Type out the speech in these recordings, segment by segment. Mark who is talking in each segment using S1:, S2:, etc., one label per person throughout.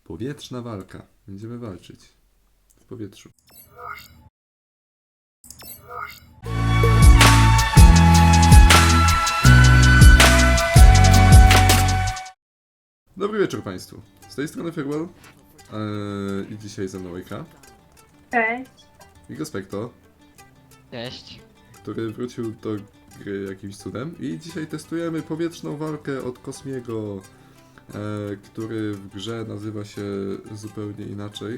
S1: Powietrzna walka. Będziemy walczyć. W powietrzu. Dobry wieczór Państwu. Z tej strony Farewell. I dzisiaj ze mną Ejka.
S2: Cześć.
S1: I Gospekto,
S3: Cześć.
S1: który wrócił do gry jakimś cudem. I dzisiaj testujemy powietrzną walkę od Kosmiego, który w grze nazywa się zupełnie inaczej.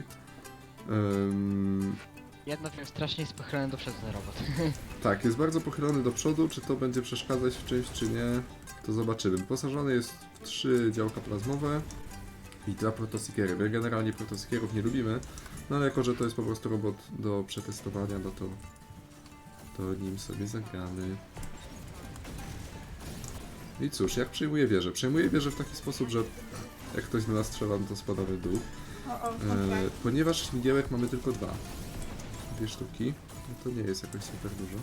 S3: Jedno wiem, strasznie jest pochylony do przodu ten robot.
S1: Tak, jest bardzo pochylony do przodu. Czy to będzie przeszkadzać w czymś, czy nie, to zobaczymy. Wyposażony jest w 3 działka plazmowe i 2 protosiekery. My generalnie protosiekerów nie lubimy, no ale jako, że to jest po prostu robot do przetestowania, no to nim sobie zagramy. I cóż, jak przejmuję wieżę? Przejmuję wieżę w taki sposób, że jak ktoś do nas strzela, no to spadamy w dół. Ponieważ śmigiełek mamy tylko 2. 2 sztuki, no to nie jest jakoś super dużo.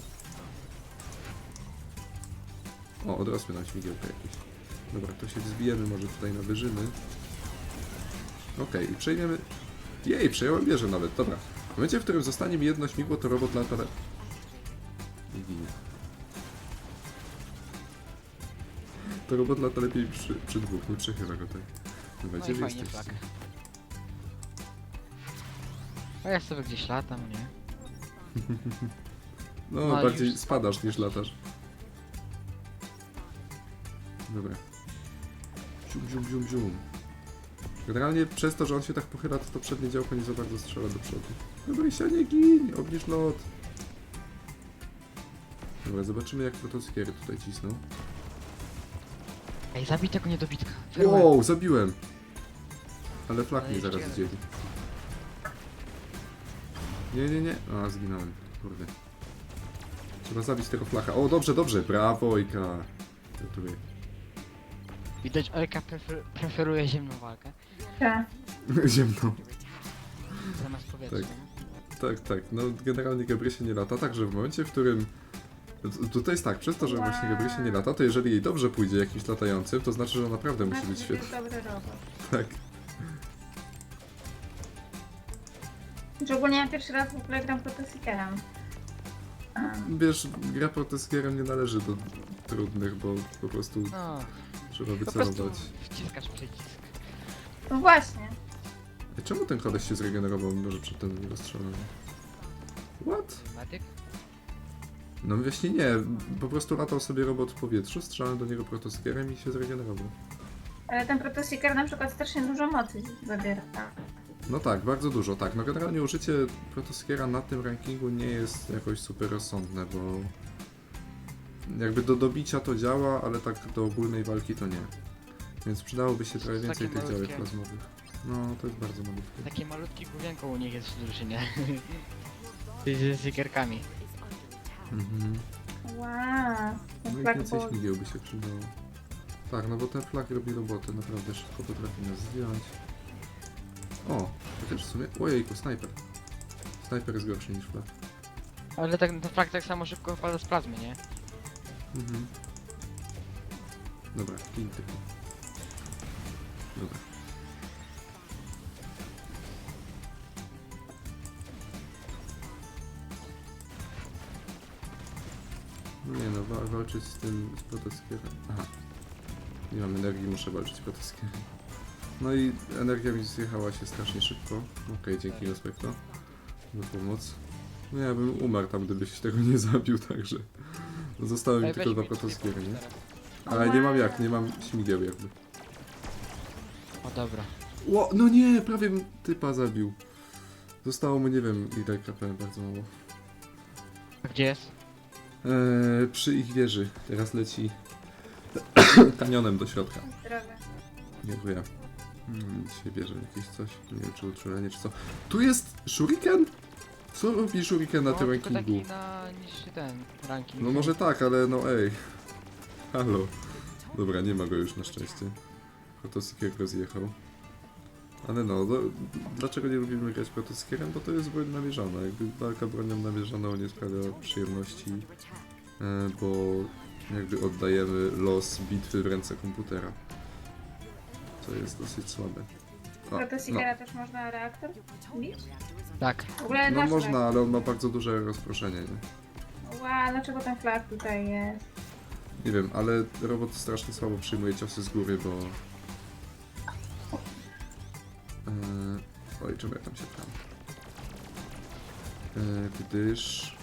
S1: O, odrosły nam śmigiełka jakieś. Dobra, to się wzbijemy może tutaj na wyżyny. Okej, i przejmiemy... Jej, przejąłem wieżę nawet, dobra. W momencie, w którym zostanie mi jedno śmigło, to robot lata... I ginie. To robot lata lepiej przy 2, nie przechyla go tak. Dobra,
S3: No
S1: gdzie
S3: i
S1: wy
S3: fajnie
S1: jesteście?
S3: flak. A ja sobie gdzieś latam, nie?
S1: No,
S3: No,
S1: bardziej
S3: już
S1: spadasz niż latasz. Dobra. Zium, zium, zium, zium. Generalnie przez to, że on się tak pochyla, to przednie działko nie za bardzo strzela do przodu. Dobra, się nie gin, obniż lot. Dobra, zobaczymy jak protosiekery tutaj cisną.
S3: Ej, zabij tego niedobitka.
S1: Wow, zabiłem! Ale flak
S3: Ale
S1: mnie
S3: jeszcze
S1: zaraz
S3: jeden.
S1: zdzieli. Nie, nie, nie. A, zginąłem. Kurde. Trzeba zabić tego flaka. O, dobrze, dobrze. Brawo, Ojka. Gratuluję.
S3: Widać, Ojka preferuje ziemną walkę.
S2: Tak.
S1: Ziemną.
S3: Zamiast powietrza.
S1: Tak. Tak, tak. No generalnie Gabrysie nie lata, także w momencie, w którym... Tutaj jest tak, przez to, że właśnie Gabrysie nie lata, to jeżeli jej dobrze pójdzie jakimś latającym, to znaczy, że naprawdę musi być
S2: To
S1: świetny.
S2: jest dobry robot.
S1: Tak.
S2: Szczególnie ja pierwszy raz w ogóle gram protosiekerem.
S1: Wiesz, gra protosierem nie należy do trudnych, bo po prostu
S3: No,
S1: trzeba
S3: po prostu
S1: wycelować.
S3: wciskasz przycisk.
S2: No właśnie.
S1: Czemu ten koleś się zregenerował, mimo że przedtem nie rozstrzelałem? What?
S3: Medyk?
S1: No właśnie nie, po prostu latał sobie robot w powietrzu, strzelałem do niego protosierem i się zregenerował.
S2: Ale ten protosieker na przykład strasznie dużo mocy zabiera.
S1: No tak, bardzo dużo, tak. No generalnie użycie protosiera na tym rankingu nie jest jakoś super rozsądne, bo jakby do dobicia to działa, ale tak do ogólnej walki to nie. Więc przydałoby się trochę
S3: Takie
S1: więcej tych działek
S3: malutkie.
S1: plazmowych. No, to jest bardzo malutkie.
S3: Takie malutkie główienko u nich jest w drużynie. Z zikierkami.
S1: Mhm.
S2: Wow.
S1: No
S2: Ten
S1: i
S2: flag
S1: więcej
S2: ball.
S1: śmigieł by się przydało. Tak, no bo ten flag robi robotę, naprawdę szybko potrafi nas zdjąć. O, chociaż w sumie... Ojejku, snajper. Snajper jest gorszy niż flag.
S3: Ale tak, ten flag tak samo szybko wypada z plazmy, nie?
S1: Mhm. Dobra, gin typu. Dobra. No nie no, walczyć z tym, z protosierem. Aha. Nie mam energii, muszę walczyć z protosierem. No i energia mi zjechała się strasznie szybko. Okej, dzięki Respekto za pomoc. No ja bym umarł tam, gdybyś tego nie zabił, także... Zostały mi
S3: Ej,
S1: tylko
S3: weź
S1: 2
S3: mi tutaj
S1: protosiery, nie?
S3: pomóż teraz.
S1: Ale nie mam jak, nie mam śmigieł jakby.
S3: O dobra.
S1: Ło, no nie, prawie typa zabił. Zostało mu nie wiem ile KP, bardzo mało.
S3: A gdzie jest?
S1: Przy ich wieży. Teraz leci kanionem do środka.
S2: Zdrowe.
S1: Dziękuję. Dzisiaj bierze jakieś coś. Nie wiem czy uczulenie czy co. Tu jest shuriken? Co robi shuriken na tym
S3: tylko taki
S1: rankingu?
S3: na niższy ten ranking.
S1: No może tak, ale no ej. Halo. Dobra, nie ma go już na szczęście. Protosikier rozjechał. Ale no, dlaczego nie lubimy grać protosierem? Bo to jest broń namierzona. Jakby walka bronią namierzoną nie sprawia przyjemności, bo jakby oddajemy los bitwy w ręce komputera. Co jest dosyć słabe. O,
S2: Protoseekera też można reaktor bić?
S3: Tak.
S2: W ogóle
S1: no
S2: nasz
S1: można, ale on ma bardzo duże rozproszenie, nie?
S2: Ła, dlaczego ten flag tutaj jest?
S1: Nie wiem, ale robot strasznie słabo przyjmuje ciosy z góry, bo... Oj, czemu ja tam się tam? Gdyż...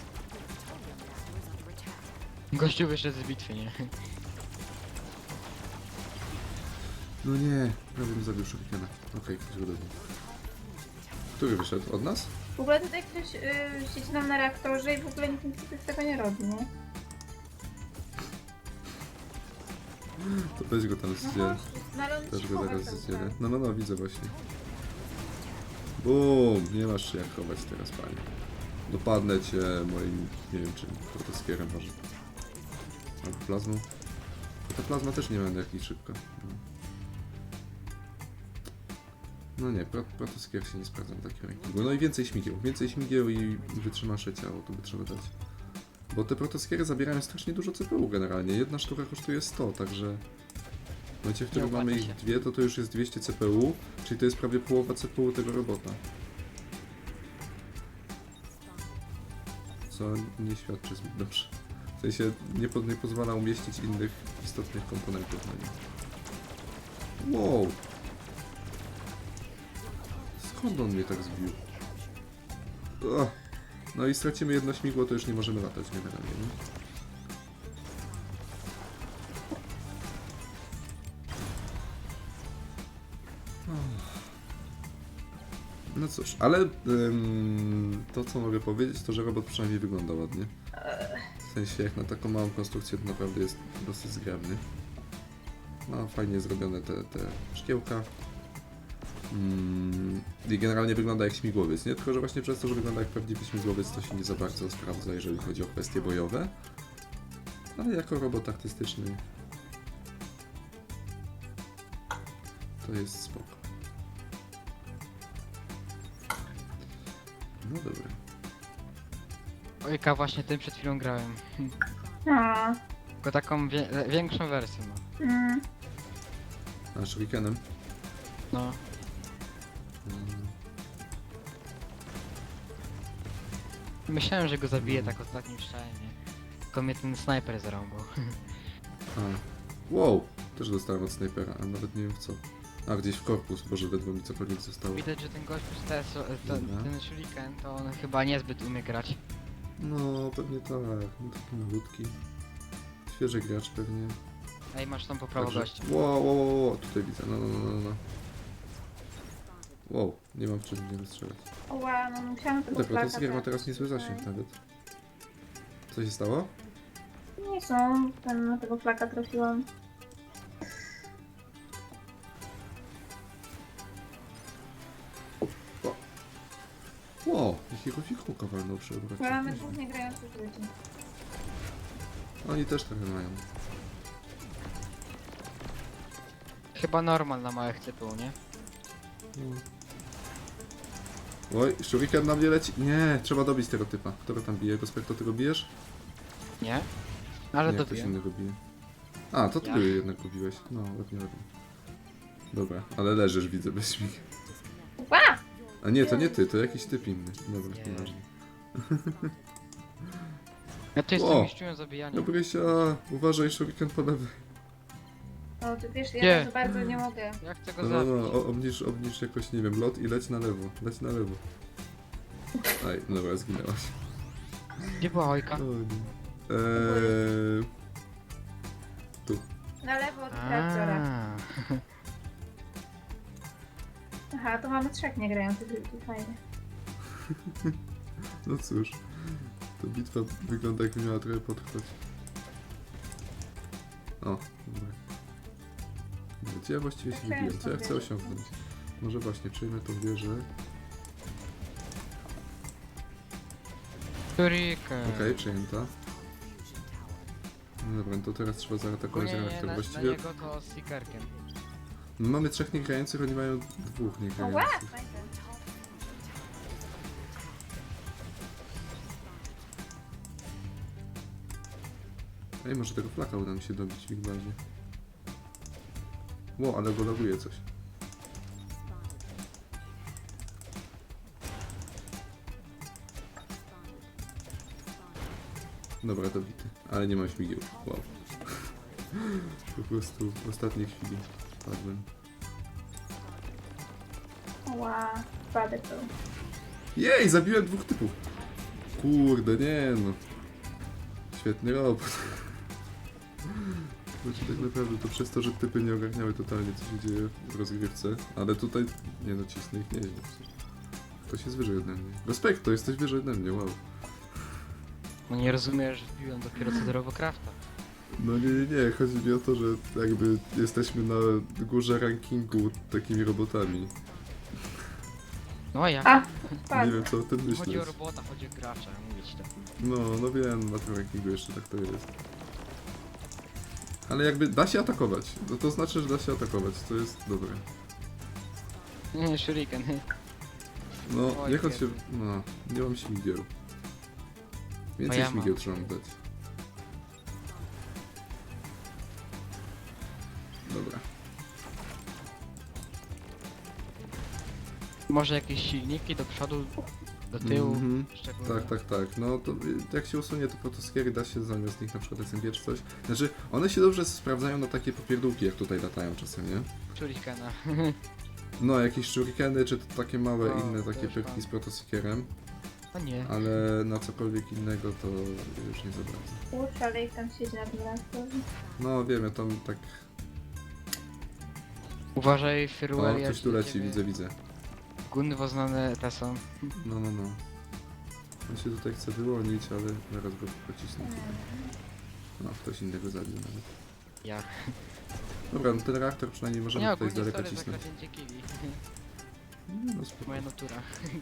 S3: Gościu wyszedł z bitwy, nie?
S1: No nie, prawie bym zabił Shurikena. Okej, ktoś go dobił. Który wyszedł? Od nas?
S2: W ogóle tutaj ktoś siedzi nam na reaktorze i w ogóle nikt nic z tego nie robi, nie?
S1: To weź go tam
S2: No
S1: zdziel.
S2: chodź, no ale on
S1: Też
S2: się
S1: go
S2: chowa
S1: zaraz
S2: cały
S1: zdzielę.
S2: czas.
S1: No, widzę właśnie. Bum! Nie masz się jak chować teraz, panie. Dopadnę cię moim, nie wiem czym, protoskierem może. Albo plazmą. Bo ta plazma też nie ma energii szybko. No nie, protoskier się nie sprawdza na takim rankingu. No i więcej śmigieł. Więcej śmigieł i wytrzymasze ciało, to by trzeba dać. Bo te protoskiery zabierają strasznie dużo CPU generalnie. Jedna sztuka kosztuje 100, także... W momencie, w którym
S3: opłaca
S1: mamy
S3: się.
S1: ich dwie, to już jest 200 CPU, czyli to jest prawie połowa CPU tego robota. Co nie świadczy zbyt dobrze. W sensie nie pozwala umieścić innych istotnych komponentów na nim. Wow! Skąd on mnie tak zbił? Ugh. No i stracimy jedno śmigło, to już nie możemy latać generalnie, nie? No cóż, ale to co mogę powiedzieć, to że robot przynajmniej wygląda ładnie. W sensie jak na taką małą konstrukcję to naprawdę jest dosyć zgrabny. No fajnie zrobione te szkiełka. I generalnie wygląda jak śmigłowiec, nie? Tylko że właśnie przez to, że wygląda jak prawdziwy śmigłowiec, to się nie za bardzo sprawdza, jeżeli chodzi o kwestie bojowe. Ale jako robot artystyczny to jest spoko. No dobra.
S3: Ojka, właśnie tym przed chwilą grałem.
S2: No.
S3: Tylko taką większą wersję, no.
S1: A shurikenem?
S3: No. Myślałem, że go zabiję tak ostatnim strzałem, nie? Tylko mnie ten snajper zarąbał.
S1: A. Wow! Też dostałem od snajpera, a nawet nie wiem w co. A, gdzieś w korpus, boże, ledwo mi cokolwiek zostało.
S3: Widać, że ten gość
S1: Dobra.
S3: ten shuriken, to on chyba niezbyt umie grać.
S1: No, pewnie tak. No taki malutki. Świeży gracz pewnie.
S3: Ej, masz tam po prawo gościa.
S1: Wow, tutaj widzę, no. Wow, nie mam w czym mnie rozstrzelać.
S2: Ła, no musiałam tego
S1: Dobra,
S2: flaka
S1: to ma teraz
S2: trafić
S1: niezły
S2: tutaj.
S1: zasięg nawet. Co się stało?
S2: Nie są, na tego flaka trafiłam.
S1: Wow, jakiego fikułka walnął przy obrocie.
S2: Mamy dwóch niegrających ludzi.
S1: Oni też trochę mają.
S3: Chyba normal na małych CPU, nie?
S1: Oj, shuriken na mnie leci. Nie, trzeba dobić tego typa. Kto go tam bije? Gospekto, ty go bijesz?
S3: Nie? Ale
S1: Nie, ktoś
S3: dobiję.
S1: innego bije. A, to ty
S3: Ja?
S1: go jednak go biłeś. No, ładnie. Dobra, ale leżysz, widzę, bez śmig.
S2: Ła!
S1: A nie, to nie ty, to jakiś typ inny. Dobra,
S3: Nie.
S1: nieważne.
S3: Ja tu
S1: O!
S3: jestem mistrzują zabijania.
S1: Dobrysia, uważaj, shuriken po lewej.
S2: No to wiesz, ja
S3: Nie.
S2: za bardzo nie mogę.
S3: Ja chcę go
S1: No,
S3: zabić.
S1: obniż jakoś, nie wiem, lot i leć na lewo. Leć na lewo. Aj, dobra, zginęłaś.
S3: Gdzie była Ojka?
S1: O, nie. Tu.
S2: Na lewo od reaktora.
S3: A.
S2: Aha, to mamy trzech niegrających ludzi, fajnie.
S1: No cóż, ta bitwa wygląda jakby miała trochę potrwać. O, dobra. Gdzie ja właściwie się wybiłem? Co ja chcę osiągnąć? Może właśnie przejmę tą wieżę.
S3: Shuriken.
S1: Okej, przejęta. No dobra, no to teraz trzeba zaatakować
S3: Nie,
S1: reaktor.
S3: na
S1: Właściwie
S3: niego to z seekerkiem.
S1: mamy trzech niegrających, oni mają dwóch
S2: O, ła!
S1: niegrających.
S2: Fajnie.
S1: Ej, może tego flaka uda mi się dobić w ich bazie. Ło, ale go laguje coś. Dobra, dobity. Ale nie mam śmigieł. Wow. Po prostu w ostatniej chwili padłem.
S2: Ła, spadek to.
S1: Jej, zabiłem 2 typów. Kurde, nie no. Świetny robot. Znaczy tak naprawdę to przez to, że typy nie ogarniały totalnie, co się dzieje w rozgrywce, ale tutaj, nie no, cisnę ich nieźle. Ktoś jest wyżej ode mnie. Respekt, to jesteś wyżej ode mnie, wow.
S3: No nie rozumiesz, że wbiłem dopiero co do Robocrafta.
S1: No nie, chodzi mi o to, że jakby jesteśmy na górze rankingu takimi robotami.
S3: No a jak?
S2: A,
S1: Nie
S2: spadł.
S1: wiem co o tym
S3: Chodzi o
S1: myślisz.
S3: robota, chodzi o gracza, mówię ci to.
S1: No wiem, na tym rankingu jeszcze tak to jest. Ale jakby da się atakować, to znaczy, że da się atakować, to jest dobre.
S3: Nie, shuriken.
S1: No,
S3: Oj,
S1: jak on się...
S3: Jezu.
S1: No, nie mam śmigieł. Więcej
S3: ja mam.
S1: śmigieł trzeba mu dać. Dobra.
S3: Może jakieś silniki do przodu, do tyłu,
S1: Mhm.
S3: szczególnie.
S1: Tak. No to jak się usunie te protoskiery, da się zamiast nich na przykład SMG czy coś. Znaczy, one się dobrze sprawdzają na takie popierdółki, jak tutaj latają czasem, nie?
S3: Shurikena.
S1: No, jakieś shurikeny, czy to takie małe
S3: O,
S1: inne takie
S3: też
S1: pyrki
S3: mam.
S1: z protosiekerem,
S3: A nie.
S1: ale na cokolwiek innego to już nie za bardzo.
S2: Kurczę, ale ich tam siedzi na tym reaktorze.
S1: No wiem, ja tam tak...
S3: Uważaj,
S1: O,
S3: Firwell,
S1: coś tu leci, widzę.
S3: Gunwo znane te są.
S1: No. On się tutaj chce wyłonić, ale zaraz go pocisnę. No, ktoś innego zabił nawet.
S3: Ja.
S1: Dobra, no ten reaktor przynajmniej możemy
S3: Nie,
S1: tutaj z
S3: ogólnie
S1: daleka
S3: sorry za
S1: cisnąć.
S3: kradnięcie killi.
S1: No spoko.
S3: Moja natura.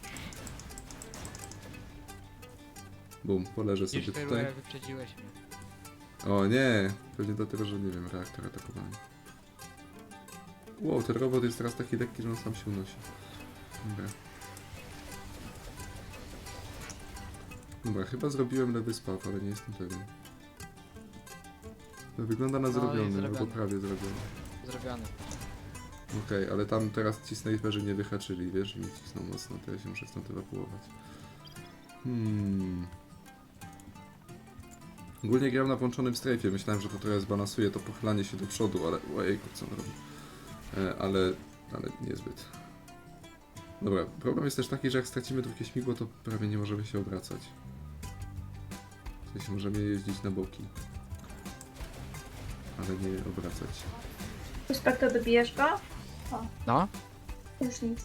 S1: Bum, poleżę
S3: Już
S1: sobie tutaj.
S3: Firwell wyprzedziłeś mnie.
S1: O nie! Pewnie dlatego, że nie wiem, reaktor atakowany. Wow, ten robot jest teraz taki lekki, że on sam się unosi. Dobra, chyba zrobiłem lewy spaw, ale nie jestem pewien. No, wygląda na
S3: No, jest
S1: zrobiony, albo
S3: zrobiony.
S1: prawie zrobiony.
S3: Zrobiony.
S1: Okej, ale tam teraz ci snajperzy nie wyhaczyli, wiesz, i mnie cisną mocno, to ja się muszę stąd ewakuować. Ogólnie gram na włączonym strajfie, myślałem, że to trochę zbalansuje to pochylanie się do przodu, ale... Ojejku, co on robi? Ale niezbyt. Dobra, problem jest też taki, że jak stracimy drugie śmigło, to prawie nie możemy się obracać. W sensie możemy jeździć na boki. Ale nie obracać.
S2: Puszpak, to dobijesz go?
S3: No?
S2: Już nic.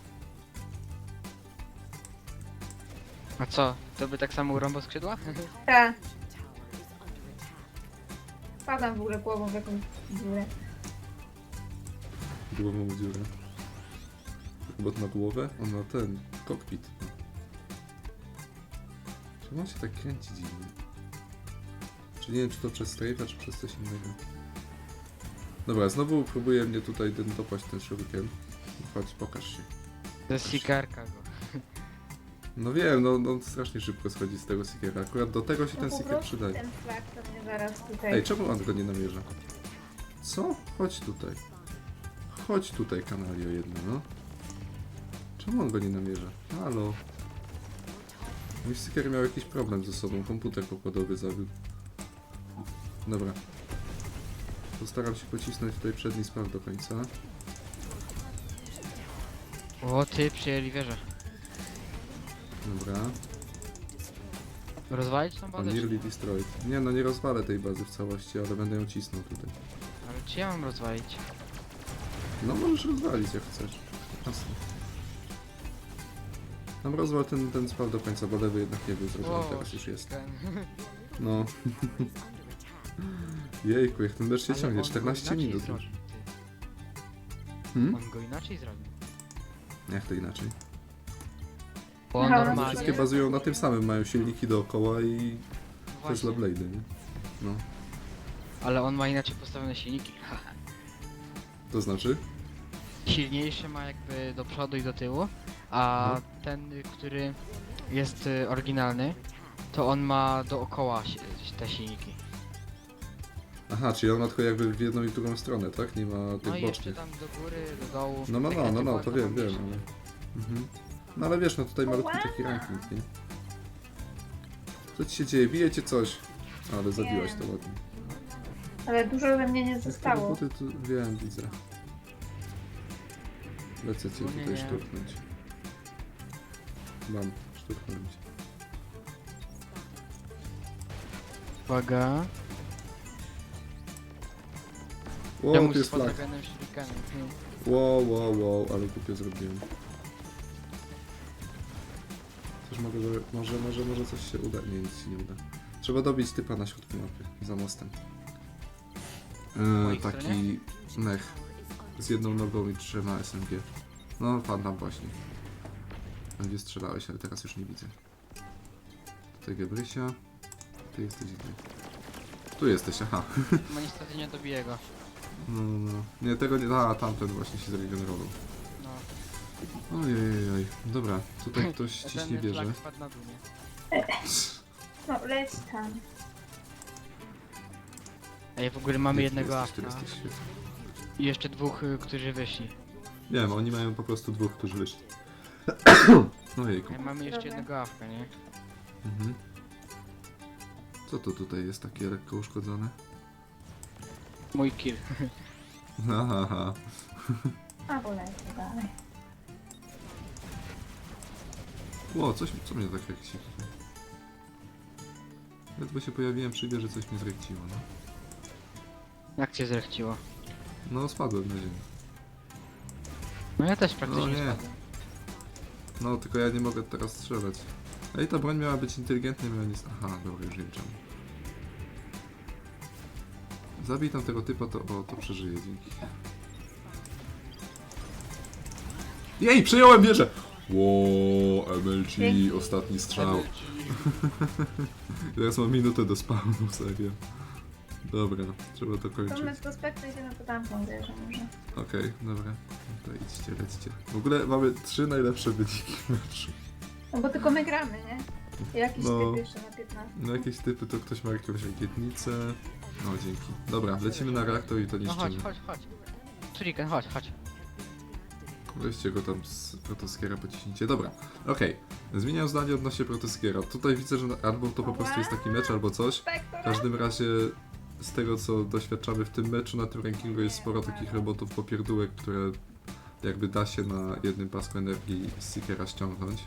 S3: A co? To by tak samo urąbał skrzydła?
S2: Tak. Padam w ogóle głową w jakąś dziurę.
S1: Głową w dziurę. Robot ma głowę? On ma ten... kokpit. Czemu on się tak kręci dziwnie? Czy nie wiem, czy to przez strajfa, czy przez coś innego. Dobra, znowu próbuje mnie tutaj dopaść ten shuriken. Chodź, pokaż się.
S3: To jest sikarka go.
S1: No wiem, no strasznie szybko schodzi z tego seekera. Akurat do tego się
S2: No
S1: ten
S2: po
S1: seeker
S2: prostu
S1: przydaje.
S2: ten flag to mnie zaraz tutaj...
S1: Ej, czemu on go nie namierza? Co? Chodź tutaj. Chodź tutaj, kanalio jedno, no. Czemu on go nie namierza? Halo. Mój seeker miał jakiś problem ze sobą, komputer pokładowy zawiódł. Dobra. Postaram się pocisnąć tutaj przedni spaw do końca.
S3: O, ty przyjęli wieżę.
S1: Dobra.
S3: Rozwalić tą
S1: On
S3: bazę? czy
S1: nearly
S3: nie?
S1: destroyed. Nie no, nie rozwalę tej bazy w całości, ale będę ją cisnął tutaj.
S3: Ale czy ja mam rozwalić?
S1: No możesz rozwalić jak chcesz. Jasne. Tam rozwal ten spaw do końca, bo lewy jednak nie był zrobiony, teraz już jest.
S3: shuriken.
S1: No. Jejku, jak ten mecz się
S3: Ale
S1: ciągnie,
S3: on go
S1: 14
S3: inaczej
S1: minut już.
S3: zrobił, ty.
S1: Hmm?
S3: On go inaczej zrobił.
S1: Jak to inaczej?
S3: Bo on
S2: Aha,
S3: normalnie...
S1: Wszystkie bazują na tym samym, mają silniki dookoła i
S3: Właśnie.
S1: Tesla Blade'y, nie? No.
S3: Ale on ma inaczej postawione silniki.
S1: To znaczy?
S3: Silniejsze ma jakby do przodu i do tyłu, a
S1: Mhm.
S3: ten, który jest oryginalny, to on ma dookoła te silniki.
S1: Aha, czyli on ma tylko jakby w jedną i w drugą stronę, tak? Nie ma tych
S3: No i jeszcze
S1: bocznych.
S3: tam do góry, do dołu.
S1: No,
S3: tak jak
S1: to
S3: typowa
S1: wiem,
S3: mniejsza.
S1: ale... Mhm. No ale wiesz, no tutaj malutki taki ranking, nie? Co ci się dzieje? Bijecie coś. Ale zabiłaś to ładnie.
S2: Ale dużo we mnie nie
S1: Te
S2: zostało.
S1: buty tu wiem, widzę. Lecę cię
S3: Nie,
S1: tutaj
S3: nie.
S1: szturchnąć. Mam szturchnąć.
S3: Uwaga.
S1: Wow,
S3: Czemu
S1: tu jest
S3: z
S1: flag.
S3: podaganem shurikenem?
S1: Wow, ale głupio zrobiłem. Coś może coś się uda. Nie, nic się nie uda. Trzeba dobić typa na środku mapy, za mostem.
S3: mojej
S1: Taki mech. Z jedną nogą i 3 SMG. No, pan tam właśnie. Tam gdzie strzelałeś, ale teraz już nie widzę. Tutaj Gebrysia. Ty jesteś gdzie? Tu jesteś, aha.
S3: No niestety nie dobiję go.
S1: No. Nie, tego nie... A, tamten właśnie się zregenerował.
S3: No.
S1: Ojej. Dobra, tutaj ktoś ciśnie
S3: Ten
S1: bierze.
S3: flag spadł na dół, nie?
S2: No, leć tam.
S3: Ej, w ogóle mamy jednego
S1: Jesteś,
S3: afka.
S1: jesteś świetny.
S3: I jeszcze dwóch, którzy wyszli.
S1: Wiem, oni mają po prostu dwóch, którzy wyszli. Ojejku.
S3: Ej, mamy jeszcze
S2: Dobra.
S3: jednego afka, nie?
S1: Mhm. Co to tutaj jest takie lekko uszkodzone?
S3: Mój kill.
S1: Aha.
S2: A, bo lecę dalej.
S1: Ło, co mnie tak jak się... Ledwo się pojawiłem przy że coś mnie zrekciło, no.
S3: Jak cię zrechciło?
S1: No, spadłem na ziemię.
S3: No ja też praktycznie
S1: nie.
S3: spadłem.
S1: No, tylko ja nie mogę teraz strzelać. Ej, ta broń miała być inteligentna, miała nic... Aha, dobra, już wiem czemu. Zabij tam tego typa, to przeżyje, dzięki. Jej, przejąłem wieżę! Ło, MLG,
S2: Dzięki.
S1: ostatni strzał. Teraz mam minutę do spawnu, serio. Dobra, trzeba to
S2: To
S1: kończyć.
S2: my z prospektu idziemy po tamtą wieżę może.
S1: Okej, dobra. To idźcie, lećcie. W ogóle mamy 3 najlepsze wyniki w meczu.
S2: No bo tylko my gramy, nie? I jakiś
S1: No.
S2: typ jeszcze na 15.
S1: No jakieś typy, to ktoś ma jakąś rakietnicę. No dzięki. Dobra, lecimy na reaktor i to
S3: No chodź,
S1: niszczymy.
S3: chodź. Shuriken, chodź.
S1: Weźcie go tam z protoskiera, pociśnijcie. Dobra, okej. Zmieniam zdanie odnośnie protoskiera. Tutaj widzę, że albo to po prostu jest taki mecz, albo coś.
S2: Spektora?
S1: W każdym razie z tego co doświadczamy w tym meczu, na tym rankingu jest sporo takich robotów popierdółek, które jakby da się na jednym pasku energii z Seekera ściągnąć.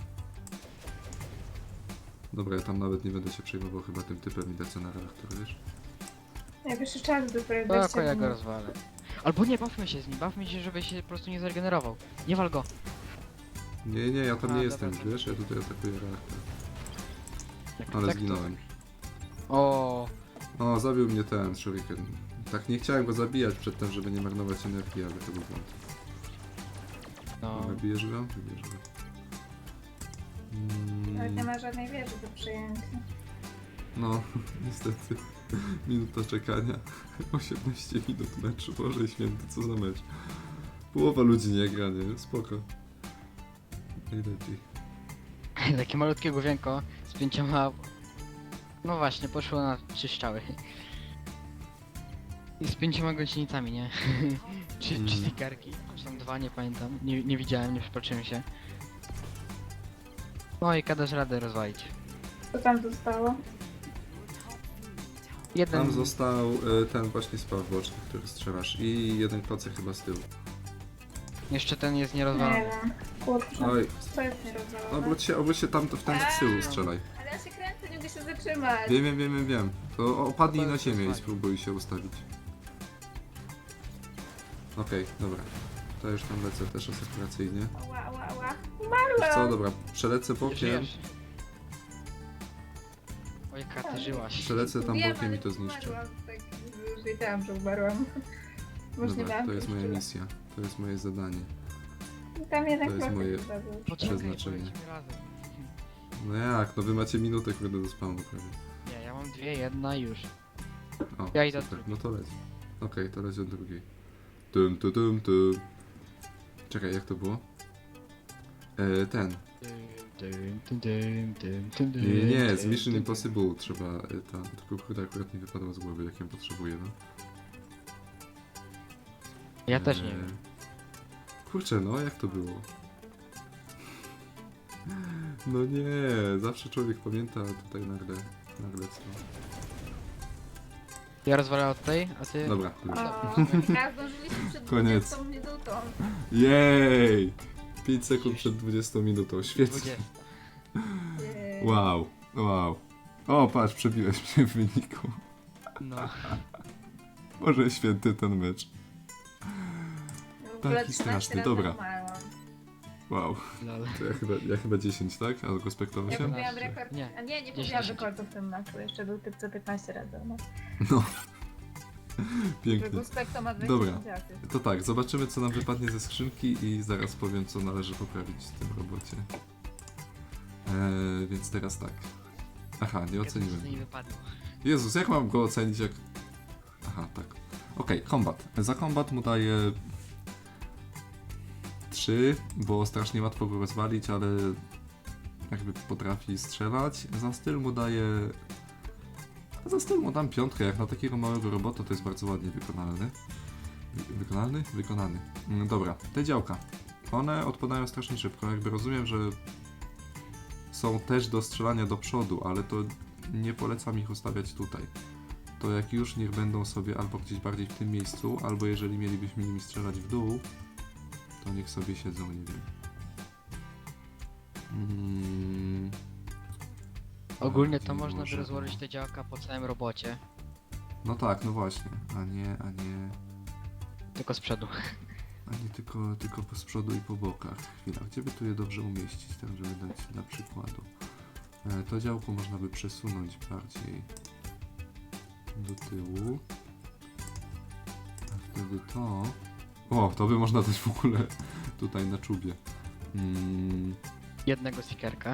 S1: Dobra, ja tam nawet nie będę się przejmował chyba tym typem i lecę na reaktor, wiesz?
S2: Jak jeszcze czas dopiero
S3: Tylko
S2: 20
S3: ja go
S2: minut.
S3: rozwalę. Albo nie, bawmy się z nim, bawmy się, żeby się po prostu nie zregenerował. Nie wal go.
S1: Nie, ja tam
S3: A,
S1: nie
S3: dobra,
S1: jestem,
S3: to-
S1: wiesz? Ja tutaj atakuję reaktor.
S3: Jak
S1: Ale
S3: tak, to-
S1: zginąłem.
S3: O,
S1: O, zabił mnie ten Shuriken. Tak nie chciałem go zabijać przedtem, żeby nie marnować energii, ale to był błąd.
S3: no.
S1: Dobra, bijesz go? Bijesz go.
S2: Nawet nie ma żadnej wieży do przejęcia.
S1: No, niestety. Minuta czekania. 18 minut meczu. Boże święty, co za mecz. Połowa ludzi nie gra, nie? Spoko. Najlepiej.
S3: Takie malutkie główienko z 5... No właśnie, poszło na 3 strzały. I z 5 gąsienicami, nie? Czy
S1: Mm.
S3: stickerki? Czy tam 2, nie pamiętam. Nie widziałem, nie przypatrzyłem się. No i dasz radę rozwalić.
S2: Co tam zostało?
S3: Jeden...
S1: Tam został ten właśnie spaw boczny, który strzelasz. I jeden klocek chyba z tyłu.
S3: Jeszcze ten jest
S2: Nie
S3: nierozwalony.
S2: wiem. Kurczę.
S1: Oj,
S2: To jest nierozwalone.
S1: obróć się tam w ten z tyłu strzelaj.
S2: Ale ja się kręcę, nie mogę się zatrzymać.
S1: Wiem. To opadnij na ziemię i
S3: Fajnie.
S1: spróbuj się ustawić. Okej, dobra. To już tam lecę też asekuracyjnie.
S2: Ała.
S1: Wiesz
S2: Umarłam.
S1: co, dobra, przelecę bokiem.
S3: Żyjesz. Oj, Katy, żyłaś.
S1: Przelecę tam
S2: Wiem,
S1: bokiem
S2: ale
S1: i to zniszczę.
S2: Umarłam, tak już wiedziałam, że umarłam. Może nie
S1: Dobra,
S2: miałam
S1: to jest moja
S2: siły.
S1: misja. To jest moje zadanie.
S2: Tam jednak
S1: To jest
S2: klocek
S1: moje-
S2: zabił.
S3: Poczekaj,
S1: Przeznaczenie.
S3: polecimy razem.
S1: No jak, no wy macie minutę, kurde, do spawnu prawie.
S3: Nie, ja mam 2, 1 i już.
S1: O,
S3: Ja idę
S1: super,
S3: od
S1: no to leć. Okej, to leć od drugiej. Tum. Czekaj, jak to było? Ten. Nie, z Mission Impossible trzeba tam, tylko kurde akurat mi wypadło z głowy, jak ją potrzebuję, no.
S3: Ja też nie wiem.
S1: Kurczę, no jak to było? No nie, zawsze człowiek pamięta, a tutaj nagle co.
S3: Ja rozwalę od tej, a ty...
S1: Dobra, już.
S2: Ja zdążyliśmy przed
S1: Koniec.
S2: 20 minutą.
S1: Jej! 5 sekund przed 20 minutą, świetnie.
S3: 20.
S1: Wow. O, patrz, przebiłeś mnie w wyniku.
S3: No.
S1: Boże święty ten mecz.
S2: W ogóle
S1: Taki
S2: 13
S1: straszny,
S2: razy
S1: dobra.
S2: umarłam.
S1: Wow.
S3: Lol.
S1: To ja chyba 10, tak? A go spektował
S2: Ja
S1: się?
S2: pobiłam rekord.
S3: Nie.
S2: A nie
S3: 10.
S2: pobiłam rekordu w tym meczu. Jeszcze był typ co 15 razy. No.
S1: No. Pięknie.
S2: Guspekto ma 20
S1: Dobra.
S2: dziaty.
S1: To tak, zobaczymy co nam wypadnie ze skrzynki i zaraz powiem co należy poprawić w tym robocie. Więc teraz tak. Aha, nie oceniłem.
S3: To nie wypadło.
S1: Jezus, jak mam go ocenić jak... Aha, tak. Okej, kombat. Za kombat mu daję 3, bo strasznie łatwo go rozwalić, ale jakby potrafi strzelać. Za styl mu daję... Za styl mu dam 5, jak na takiego małego robota to jest bardzo ładnie wykonalny. Wykonany. Dobra, te działka. One odpadają strasznie szybko, jakby rozumiem, że są też do strzelania do przodu, ale to nie polecam ich ustawiać tutaj. To jak już niech będą sobie albo gdzieś bardziej w tym miejscu, albo jeżeli mielibyśmy nimi strzelać w dół, to niech sobie siedzą, nie wiem.
S3: Ogólnie to
S1: Bardziej
S3: można by
S1: może,
S3: rozłożyć
S1: no.
S3: te działka po całym robocie.
S1: No tak, no właśnie. A nie
S3: Tylko z przodu.
S1: tylko z przodu i po bokach. Chwila, gdzie by tu je dobrze umieścić, tak żeby dać dla przykładu. To działko można by przesunąć bardziej do tyłu. A wtedy to... O, to by można dać w ogóle tutaj na czubie.
S3: Jednego seekerka.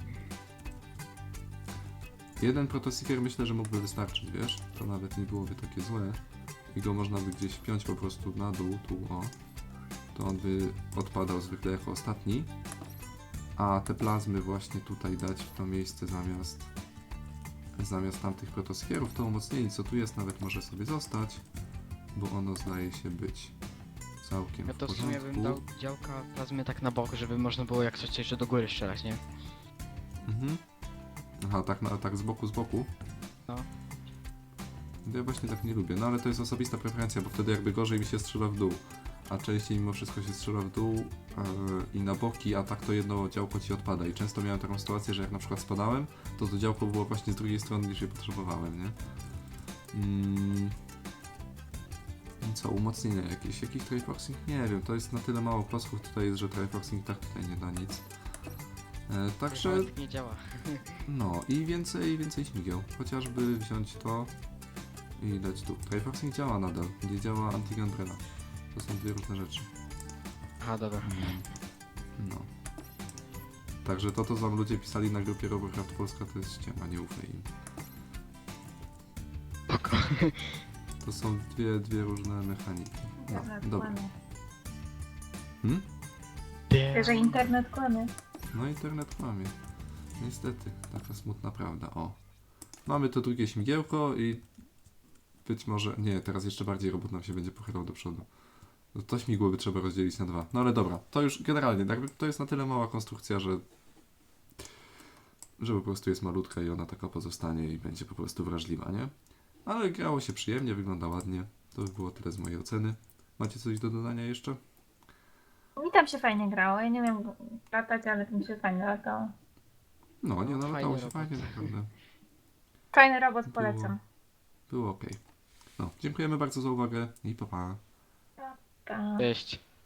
S1: Jeden protoseeker myślę, że mógłby wystarczyć, wiesz? To nawet nie byłoby takie złe. I go można by gdzieś wpiąć po prostu na dół, tu o. To on by odpadał zwykle jako ostatni. A te plazmy właśnie tutaj dać w to miejsce zamiast tamtych protoseekerów. To umocnienie, co tu jest, nawet może sobie zostać, bo ono zdaje się być całkiem
S3: Ja
S1: w
S3: to w
S1: porządku.
S3: sumie bym dał działka plazmy tak na bok, żeby można było jak coś jeszcze do góry strzelać, nie?
S1: Mhm. Aha, tak z boku.
S3: No.
S1: Ja właśnie tak nie lubię, no ale to jest osobista preferencja, bo wtedy jakby gorzej mi się strzela w dół. A częściej mimo wszystko się strzela w dół i na boki, a tak to jedno działko ci odpada. I często miałem taką sytuację, że jak na przykład spadałem, to działko było właśnie z drugiej strony niż je potrzebowałem, nie? Co, umocnienia jakieś? Jakiś triforcing? Nie wiem, to jest na tyle mało klocków tutaj jest, że triforcing tak tutaj nie da nic. Także...
S3: Ale tak nie działa.
S1: No i więcej śmigieł. Chociażby wziąć to i dać tu. Triforcing działa nadal, nie działa anti-gangrela. To są dwie różne rzeczy.
S3: Aha, dobra.
S1: No. Także to co wam ludzie pisali na grupie Robocraft Polska to jest ściema, nie ufaj im.
S3: Spoko.
S1: To są dwie różne mechaniki. No,
S2: Internet
S1: dobra.
S2: kłamie.
S3: Damn.
S2: Że internet kłamie.
S1: No internet kłamie. Niestety, taka smutna prawda. O. Mamy to drugie śmigiełko i być może... Nie, teraz jeszcze bardziej robot nam się będzie pochylał do przodu. No to śmigło by trzeba rozdzielić na 2. No ale dobra, to już generalnie, jakby to jest na tyle mała konstrukcja, że po prostu jest malutka i ona taka pozostanie i będzie po prostu wrażliwa, nie? Ale grało się przyjemnie, wygląda ładnie. To by było tyle z mojej oceny. Macie coś do dodania jeszcze?
S2: Mi tam się fajnie grało. Ja nie wiem latać, ale tam się fajnie latało.
S1: No, nie, no
S3: Fajny
S1: latało się
S3: robot.
S1: fajnie, naprawdę.
S2: Fajny robot, polecam.
S1: Było ok. No, dziękujemy bardzo za uwagę i pa pa.
S2: Pa.
S3: Cześć.